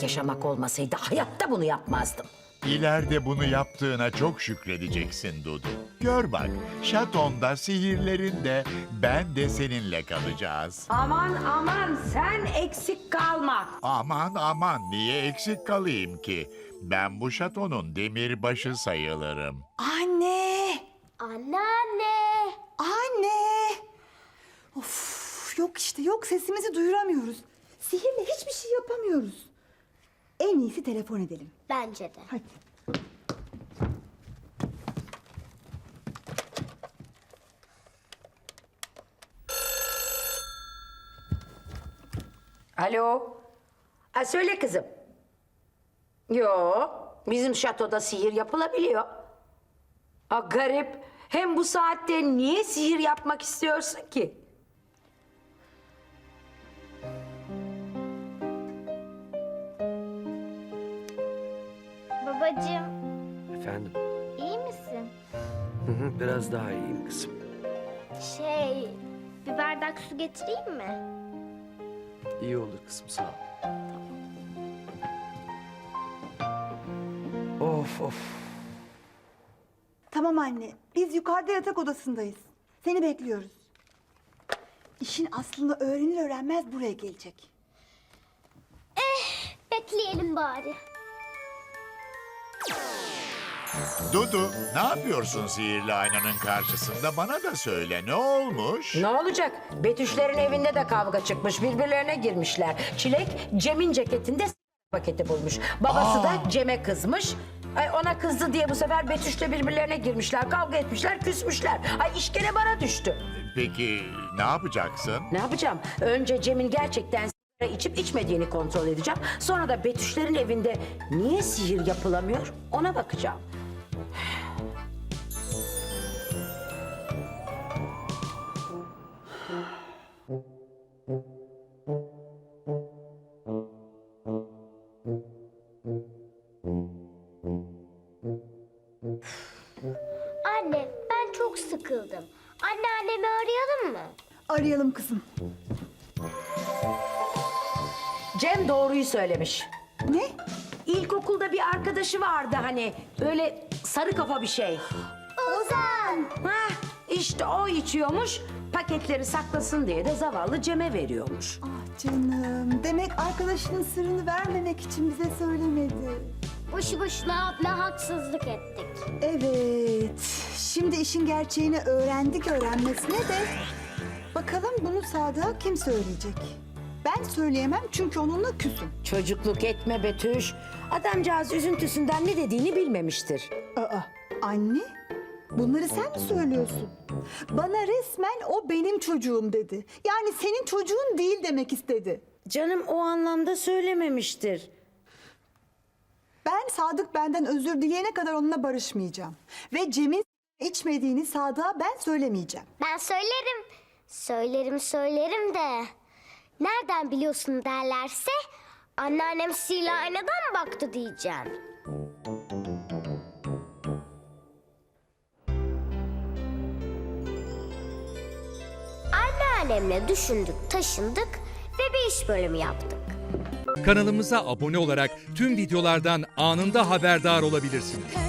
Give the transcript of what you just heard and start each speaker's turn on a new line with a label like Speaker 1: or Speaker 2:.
Speaker 1: yaşamak olmasaydı hayatta bunu yapmazdım.
Speaker 2: İleride bunu yaptığına çok şükredeceksin Dudu. Gör bak, şatonda, sihirlerinde ben de seninle kalacağız.
Speaker 1: Aman aman sen eksik kalma.
Speaker 2: Aman aman, niye eksik kalayım ki? Ben bu şatonun demirbaşı sayılırım.
Speaker 3: Anne!
Speaker 4: Anneanne.
Speaker 3: Anne! Of, yok işte yok, sesimizi duyuramıyoruz. Sihirle hiçbir şey yapamıyoruz. En iyisi telefon edelim.
Speaker 4: Bence de.
Speaker 3: Hadi.
Speaker 1: Alo. Söyle kızım. Yo, bizim şatoda sihir yapılabiliyor. Garip. Hem bu saatte niye sihir yapmak istiyorsun ki?
Speaker 4: Babacığım,
Speaker 5: Efendim?
Speaker 4: iyi misin?
Speaker 5: Biraz daha iyiyim kızım.
Speaker 4: Bir bardak su getireyim mi?
Speaker 5: İyi olur kızım, sağ ol. Of of.
Speaker 3: Tamam anne, biz yukarıda yatak odasındayız. Seni bekliyoruz. İşin aslını öğrenir öğrenmez buraya gelecek.
Speaker 4: Bekleyelim bari.
Speaker 2: Dudu, ne yapıyorsun sihirli aynanın karşısında? Bana da söyle, ne olmuş?
Speaker 1: Ne olacak? Betüşlerin evinde de kavga çıkmış. Birbirlerine girmişler. Çilek Cem'in ceketinde paketi bulmuş. Babası da Cem'e kızmış. Ona kızdı diye bu sefer Betüş'le birbirlerine girmişler. Kavga etmişler, küsmüşler. İş gene bana düştü.
Speaker 2: Peki ne yapacaksın?
Speaker 1: Ne yapacağım? Önce Cem'in gerçekten sigara içip içmediğini kontrol edeceğim. Sonra da Betüşlerin evinde niye sihir yapılamıyor ona bakacağım.
Speaker 4: Anne, ben çok sıkıldım. Anneannemi arayalım mı?
Speaker 3: Arayalım kızım.
Speaker 1: Cem doğruyu söylemiş.
Speaker 3: Ne?
Speaker 1: İlkokulda bir arkadaşı vardı hani öyle sarı kafa bir şey.
Speaker 4: Ozan!
Speaker 1: İşte o içiyormuş, paketleri saklasın diye de zavallı Cem'e veriyormuş.
Speaker 3: Ah canım, demek arkadaşının sırrını vermemek için bize söylemedi.
Speaker 4: Boşu boşuna abla haksızlık ettik.
Speaker 3: Evet, şimdi işin gerçeğini öğrendik öğrenmesine de... Bakalım bunu Sadık'a kim söyleyecek? Ben söyleyemem çünkü onunla küsüm.
Speaker 1: Çocukluk etme Betüş. Adamcağız üzüntüsünden ne dediğini bilmemiştir.
Speaker 3: Aa, anne, bunları sen mi söylüyorsun? Bana resmen o benim çocuğum dedi. Yani senin çocuğun değil demek istedi.
Speaker 1: Canım o anlamda söylememiştir.
Speaker 3: Ben Sadık benden özür dileyene kadar onunla barışmayacağım. Ve Cem'in içmediğini Sadık'a ben söylemeyeceğim.
Speaker 4: Ben söylerim. Söylerim de. Nereden biliyorsun derlerse anneannem sihirli aynadan baktı diyeceğim. Anneannemle düşündük, taşındık ve bir iş bölümü yaptık.
Speaker 6: Kanalımıza abone olarak tüm videolardan anında haberdar olabilirsiniz.